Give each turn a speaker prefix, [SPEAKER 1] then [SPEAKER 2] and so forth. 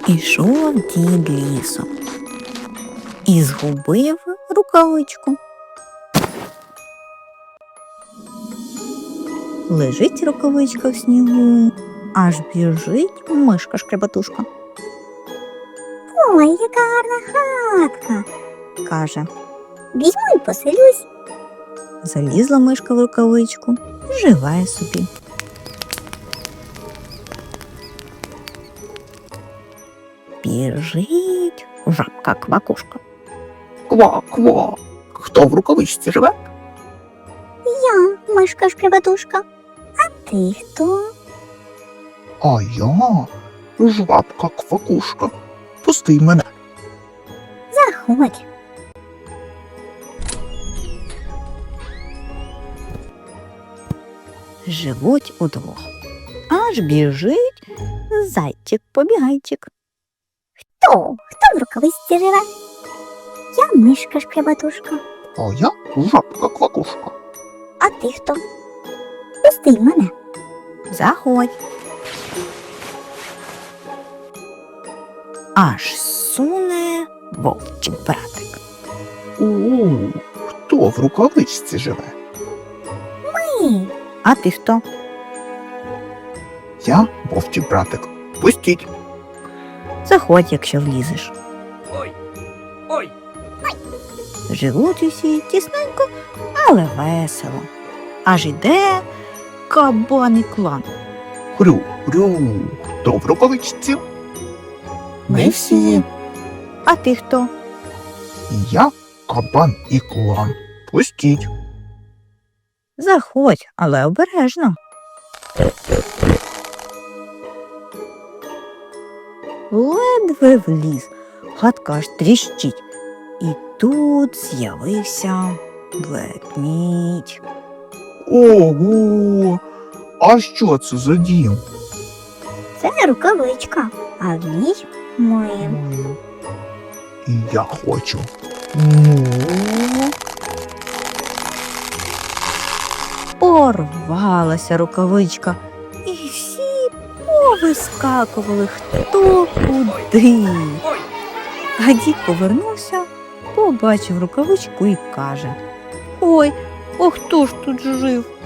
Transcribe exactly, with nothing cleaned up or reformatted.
[SPEAKER 1] Ішов дід лісом і згубив рукавичку. Лежить рукавичка в снігу, аж біжить мишка-шкребатушка.
[SPEAKER 2] Ой, яка гарна хатка,
[SPEAKER 1] Каже,
[SPEAKER 2] візьму і поселюсь.
[SPEAKER 1] залізла мишка в рукавичку, живе собі. Біжить жабка-квакушка.
[SPEAKER 3] Ква-ква. Хто в рукавичці живе?
[SPEAKER 2] Я, мишка-шкребатушка. А ти хто?
[SPEAKER 3] А я жабка-квакушка. Пусти мене.
[SPEAKER 2] Заходь.
[SPEAKER 1] Живуть удвох. Аж біжить зайчик-побігайчик.
[SPEAKER 2] Хто? Хто в рукавичці живе? Я мишка-шкребатушка.
[SPEAKER 3] А я жабка-квакушка.
[SPEAKER 2] А ти хто? Пусти мене.
[SPEAKER 1] Заходь. Аж суне вовчий братик.
[SPEAKER 3] О, хто в рукавичці живе?
[SPEAKER 2] Ми.
[SPEAKER 1] А ти хто?
[SPEAKER 3] Я вовчий братик. Пустіть.
[SPEAKER 1] Заходь, якщо влізеш.
[SPEAKER 4] Ой, ой,
[SPEAKER 1] Живуть усі тісненько, але весело. Аж іде кабан і клан.
[SPEAKER 3] Хрю, хрю. Хто в рукавичці?
[SPEAKER 1] Ми всі. А ти хто?
[SPEAKER 3] Я кабан і клан. Пустіть.
[SPEAKER 1] Заходь, але обережно. Ледве вліз, хатка аж тріщить. І тут з'явився ведмідь.
[SPEAKER 3] Ого! А що це за дім?
[SPEAKER 2] Це рукавичка, а в ній ми.
[SPEAKER 3] І я хочу. Ну,
[SPEAKER 1] Порвалася рукавичка, і всі повискакували хто куди.
[SPEAKER 4] ой.
[SPEAKER 1] А дід повернувся, побачив рукавичку і каже: Ой, а хто ж тут жив?